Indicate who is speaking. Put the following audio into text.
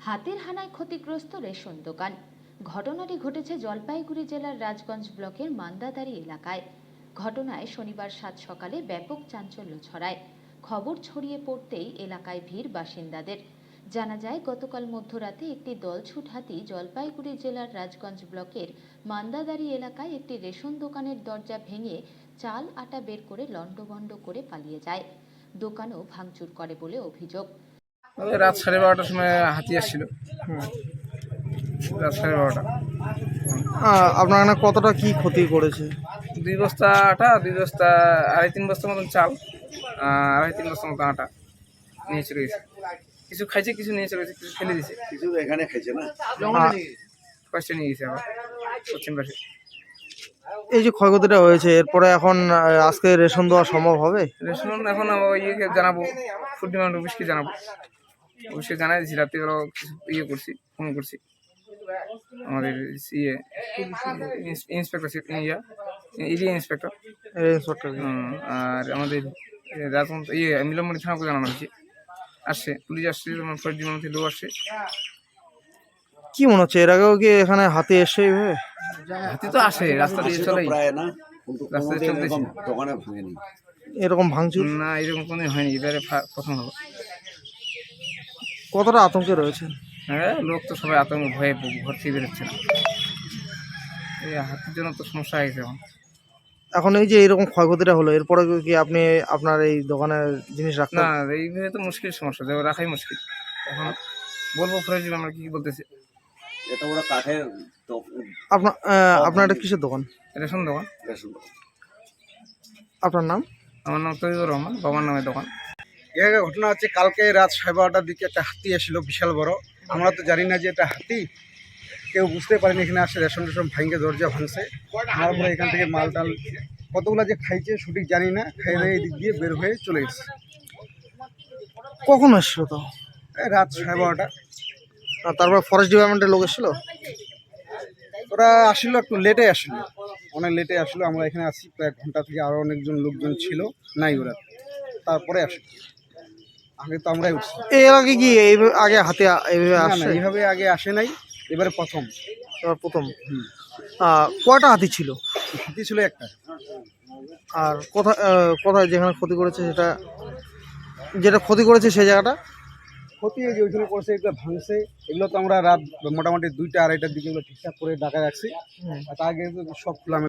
Speaker 1: হাতের হানায় ক্ষতিগ্রস্ত রেশন দোকান। ঘটনাটি ঘটেছে জলপাইগুড়ি জেলার রাজগঞ্জ ব্লকের মান্দাদারি এলাকায়। ঘটনায় শনিবার সাত সকালে ব্যাপক চাঞ্চল্য ছড়ায়। খবর ছড়িয়ে পড়তেই এলাকায় ভিড় বাসিন্দাদের। জানা যায়, গতকাল মধ্যরাতে একটি দলছুট হাতি জলপাইগুড়ি জেলার রাজগঞ্জ ব্লকের মান্দাদারি এলাকায় একটি রেশন দোকানের দরজা ভেঙে চাল আটা বের করে লণ্ডভণ্ড করে পালিয়ে যায়। দোকানও ভাঙচুর করে বলে অভিযোগ।
Speaker 2: রাত 12:30টার সময় হাতি আসছিল। রাত 12:30।
Speaker 3: আপনার এখানে কতটা কি ক্ষতি করেছে?
Speaker 2: 2 বস্তা আটা, 2 বস্তা, 2.5-3 বস্তার মতন চাল, 2.5-3 বস্তার মতো আটা নিয়ে চলে গেছে। কিছু খাইছে, কিছু নিয়ে চলে গেছে, কিছু ফেলে দিয়েছে।
Speaker 4: কিছু এখানে খাইছে না,
Speaker 2: পাশে নিয়ে গেছে আবার পশ্চিম পাশে।
Speaker 3: এই যে ক্ষয়ক্ষতিটা হয়েছে, এরপরে এখন আজকে রেশন দেওয়া সম্ভব হবে?
Speaker 2: রেশন এখন ইয়েকে জানাবো, ফুড ডিমান্ড অফিসকে জানাবো। অফিসকে জানাই দিয়েছি, রাত্রিবেলা কিছু করছি, ফোন করছি আমাদের ইন্সপেক্টর এরিয়া ইন্সপেক্টর, আর আমাদের রাজমন্ত্র মিলনমণি থানাকে জানানো হয়েছে। আসছে পুলিশ, আসছে, তোমার ফরেস্ট ডিপার্টমেন্ট থেকে লোক আসছে।
Speaker 3: কি মনে হচ্ছে, এর আগেও কি এখানে হাতি এসে এইভাবে?
Speaker 2: হাতি তো আসে, রাস্তা দিয়ে চলে
Speaker 4: প্রায় না, কিন্তু
Speaker 2: রাস্তা দিয়ে চলতেছে।
Speaker 4: দোকানে ভাঙেনি
Speaker 3: এরকম ভাঙচুর
Speaker 2: না, এরকম কোনো হয়নি, এবারে প্রথম হলো।
Speaker 3: কতটা আতঙ্কে রয়েছে?
Speaker 2: হ্যাঁ, লোক তো সবাই আতঙ্ক ভয়ে ঘর থেকে বেরোচ্ছে না। এই হাতির জন্য তো সমস্যা হয়ে গেছে এখন।
Speaker 3: এখন এই যে এরকম ক্ষয়ক্ষতিটা হলো, এরপরে কি আপনি আপনার এই দোকানের জিনিস রাখতে?
Speaker 2: না, এইভাবে তো মুশকিল সমস্যা, যে রাখাই মুশকিল। এখন বলবো ফরেস্ট আমরা কি বলতেছে।
Speaker 4: এটা ওরা কাঠের
Speaker 3: আপনার এটা কিসের দোকান?
Speaker 2: রেশন দোকান।
Speaker 3: আপনার নাম?
Speaker 2: আমার নাম তৈবুর রহমান, বাবার নামের দোকান।
Speaker 5: এর ঘটনা হচ্ছে, কালকে রাত 12:30টার দিকে একটা হাতি এসেছিল, বিশাল বড়। আমরা তো জানি না যে এটা হাতি, কেউ বুঝতে পারেনি। এখানে আসে রেশন ভাঙে দরজা ভাঙছে, আমার পরে এখান থেকে মাল টাল কতগুলো যে খাইছে সঠিক জানি না, খাইয়ে এই দিক দিয়ে বের হয়ে চলে গেছে।
Speaker 3: কখন এসছিল তো?
Speaker 5: এই রাত 12:30টা।
Speaker 3: তারপর ফরেস্ট ডিপার্টমেন্টের লোক এসেছিল?
Speaker 5: ওরা আসলো একটু লেটে আসলো, অনেক লেটে আসলো। আমরা এখানে আসি প্রায় ঘন্টা থেকে, আরও অনেকজন লোকজন ছিল, নাই ওরা, তারপরে আসলো। আগে তো আমরাই উঠছি।
Speaker 3: এর আগে কি আগে হাতি এইভাবে
Speaker 5: না,
Speaker 3: আসছে?
Speaker 5: এইভাবে আগে আসে নাই, এবারে প্রথম।
Speaker 3: এবার প্রথম। কয়টা হাতি ছিল?
Speaker 5: হাতি ছিল একটা।
Speaker 3: আর কোথায় যেখানে ক্ষতি করেছে, যেটা ক্ষতি করেছে সেই জায়গাটা?
Speaker 5: ক্ষতি এই যে ওইখানে করেছে, এগুলো ভাঙছে। এগুলো তো আমরা রাত মোটামুটি 2টা-2:30টার দিকে এগুলো ঠিকঠাক করে ঢাকা রাখছি। আর তার আগে সব খোলা